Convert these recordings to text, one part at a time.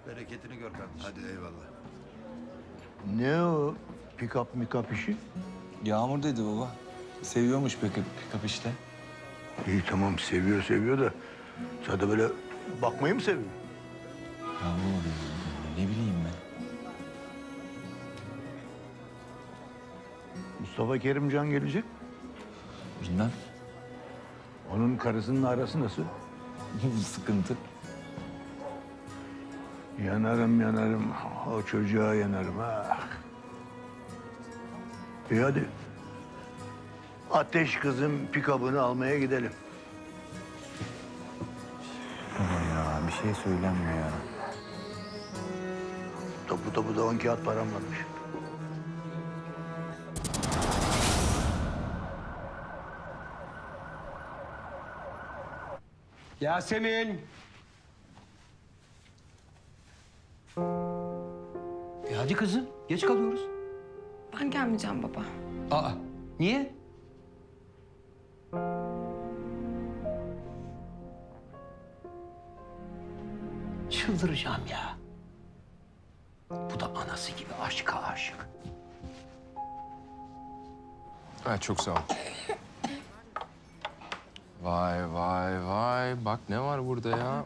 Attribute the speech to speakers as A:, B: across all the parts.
A: Bereketini gör kardeşim.
B: Hadi eyvallah.
C: Ne o pick-up mikap işi?
D: Yağmur dedi baba. Seviyormuş pick-up işte.
C: İyi tamam seviyor da sadece böyle bakmayı mı seviyor?
D: Ya baba ne bileyim ben.
C: Mustafa Kerimcan gelecek.
D: Bilmem.
C: Onun karısının arası nasıl?
D: Sıkıntı.
C: Yanarım. O çocuğa yanarım ha. İyi hadi. Ateş kızın pikabını almaya gidelim.
D: Baba ya bir şey söylenmiyor ya.
C: Topu da 10 kağıt param varmış.
E: Yasemin. Hadi kızım, geç kalıyoruz.
F: Ben gelmeyeceğim baba.
E: Aa, niye? Çıldıracağım ya. Bu da anası gibi aşka aşık.
G: Ha, çok sağ ol. Vay. Bak ne var burada ya?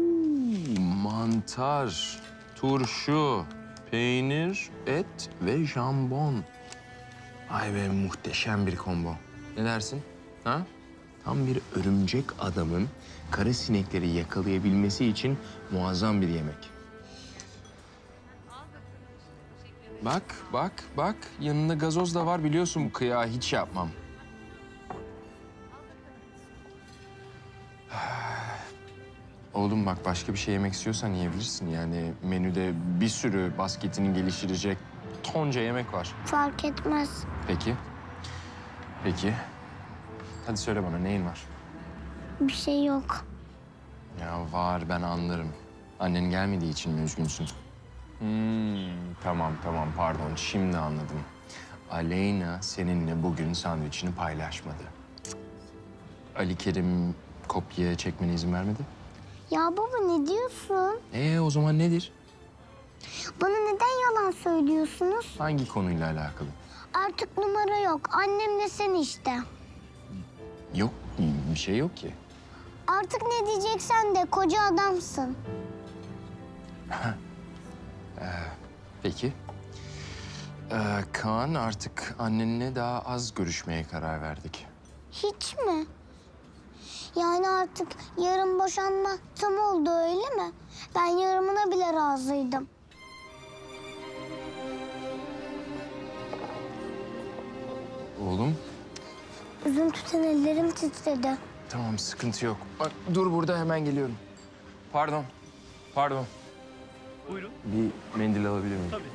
G: Mantar, turşu, peynir, et ve jambon. Ay be muhteşem bir combo. Ne dersin? Ha? Tam bir örümcek adamın kara sinekleri yakalayabilmesi için muazzam bir yemek. Bak. Yanında gazoz da var biliyorsun bu kıyağı hiç yapmam. Oğlum bak başka bir şey yemek istiyorsan yiyebilirsin. Yani menüde bir sürü basketini geliştirecek tonca yemek var.
H: Fark etmez.
G: Peki. Hadi söyle bana neyin var?
H: Bir şey yok.
G: Ya var ben anlarım. Annen gelmediği için mi üzgünsün? Tamam pardon şimdi anladım. Aleyna seninle bugün sandviçini paylaşmadı. Ali Kerim kopya çekmene izin vermedi.
H: Ya baba ne diyorsun?
G: O zaman nedir?
H: Bana neden yalan söylüyorsunuz?
G: Hangi konuyla alakalı?
H: Artık numara yok. Annemle sen işte.
G: Yok bir şey yok ki.
H: Artık ne diyeceksen de koca adamsın.
G: Peki. Kaan artık annenle daha az görüşmeye karar verdik.
H: Hiç mi? Yani artık yarın boşanma tam oldu öyle mi? Ben yarımına bile razıydım.
G: Oğlum
H: Üzüntüden ellerim titredi.
G: tamam sıkıntı yok. Bak dur burada hemen geliyorum. Pardon.
A: Buyurun.
G: Bir mendil alabilir miyim?
A: Tabii.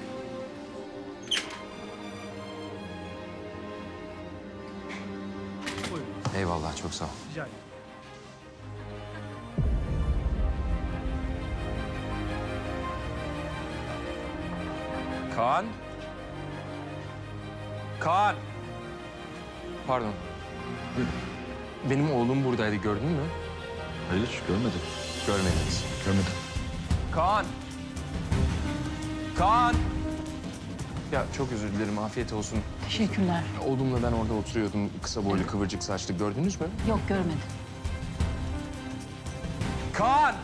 A: Buyurun.
G: Eyvallah çok sağ ol.
A: Rica ederim.
G: Kaan. Pardon. Benim oğlum buradaydı gördün mü?
D: Hayır görmedim.
G: Görmediniz.
D: Görmedim.
G: Kaan. Ya çok özür dilerim afiyet olsun.
F: Teşekkürler.
G: Oğlumla ben orada oturuyordum. Kısa boylu kıvırcık saçlı gördünüz mü?
F: Yok görmedim.
G: Kaan!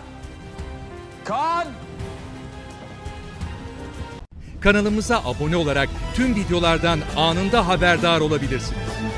I: Kanalımıza abone olarak tüm videolardan anında haberdar olabilirsiniz.